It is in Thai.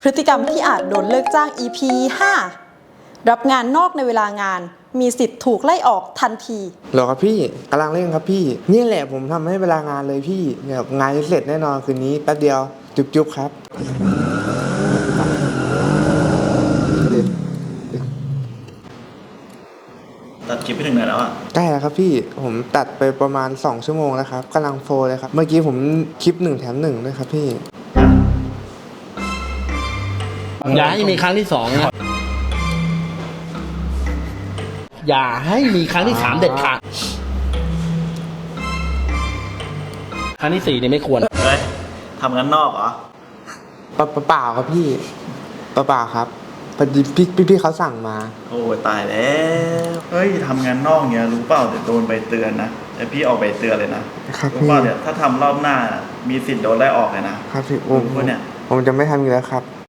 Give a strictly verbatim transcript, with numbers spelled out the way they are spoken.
พฤติกรรมที่อาจโดนเลิกจ้าง อี พี ห้า รับงานนอกในเวลางานมีสิทธิ์ถูกไล่ออกทันทีหรอครับพี่กำลังเร่งครับพี่นี่แหละผมทำให้เวลางานเลยพี่แบบงานจะเสร็จแน่นอนคืนนี้แป๊บเดียวจุ๊บๆครับตัดคลิปไปถึงไหนแล้วอ่ะใกล้แล้วครับพี่ผมตัดไปประมาณสองชั่วโมงแล้วครับกำลังโฟลเลยครับเมื่อกี้ผมคลิปหนึ่งแถมหนึ่งด้วยครับพี่อย่าให้มีครั้งที่สองนะอย่าให้มีครั้งที่สามเด็ดขาดครั้งที่สี่เนี่ยไม่ควรเฮ้ยทำงานนอกเหรอเปล่าเปล่าครับพี่เปล่าครับพอดีพี่พี่พี่เขาสั่งมาโอ้ตายแล้วเฮ้ยทำงานนอกเนี้ยรู้เปล่าเดี๋ยวโดนใบเตือนนะแต่พี่ออกใบเตือนเลยนะครับรู้เปล่าเนี่ยถ้าทำรอบหน้ามีสิทธิ์โดนไล่ออกเลยนะครับพี่ผมเนี่ยผมจะไม่ทำอีกแล้วครับ